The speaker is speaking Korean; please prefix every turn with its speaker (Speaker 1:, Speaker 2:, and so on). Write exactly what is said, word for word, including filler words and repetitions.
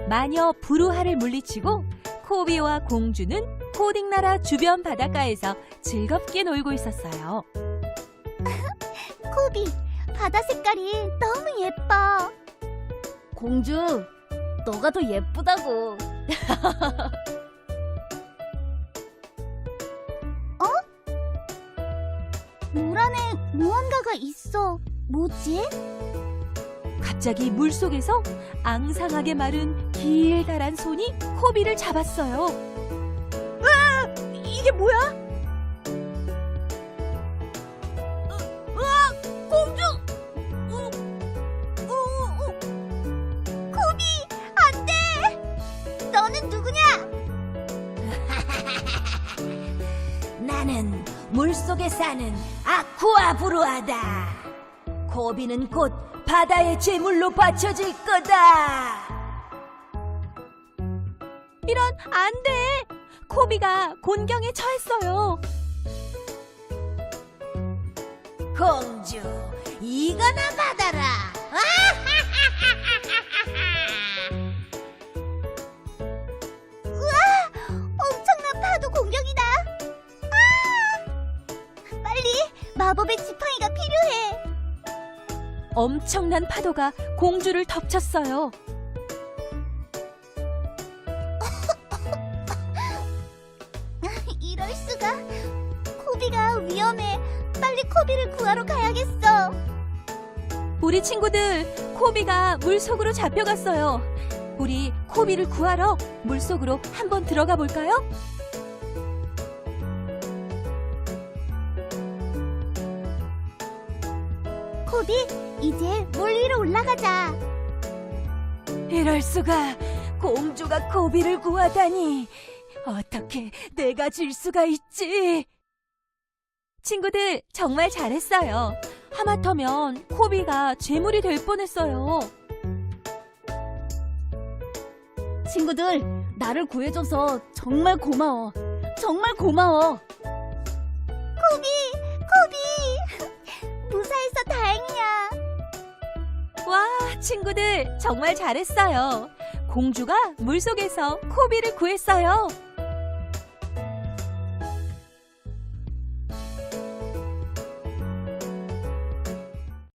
Speaker 1: 마녀 부루하를 물리치고 코비와 공주는 코딩나라 주변 바닷가에서 즐겁게 놀고 있었어요.
Speaker 2: 코비, 바다 색깔이 너무 예뻐.
Speaker 3: 공주, 너가 더 예쁘다고.
Speaker 2: 물 안에 무언가가 있어. 뭐지?
Speaker 1: 갑자기 물속에서 앙상하게 마른 길다란 손이 코비를 잡았어요. 아! 이게 뭐야?
Speaker 2: 으아! 공주! 어, 어, 어. 코비, 안 돼! 너는 누구냐?
Speaker 3: 나는 물속에 사는 아쿠아 부루하다. 코비는 곧 바다의 제물로 바쳐질 거다.
Speaker 1: 이런, 안 돼! 코비가 곤경에 처했어요.
Speaker 3: 공주, 이거나 받아라.
Speaker 2: 엄청난 파도 공격이다. 아! 빨리 마법의 지팡이가 필요해.
Speaker 1: 엄청난 파도가 공주를 덮쳤어요.
Speaker 2: 이럴 수가. 코비가 위험해. 빨리 코비를 구하러 가야겠어.
Speaker 1: 우리 친구들, 코비가 물속으로 잡혀갔어요. 우리 코비를 구하러 물속으로 한번 들어가 볼까요?
Speaker 2: 코비, 이제 물 위로 올라가자.
Speaker 1: 이럴 수가, 공주가 코비를 구하다니. 어떻게 내가 질 수가 있지? 친구들, 정말 잘했어요. 하마터면 코비가 재물이 될 뻔했어요.
Speaker 3: 친구들, 나를 구해줘서 정말 고마워. 정말 고마워.
Speaker 2: 코비, 코비. 무사해서 다행이야.
Speaker 1: 와, 친구들, 정말 잘했어요. 공주가 물속에서 코비를 구했어요.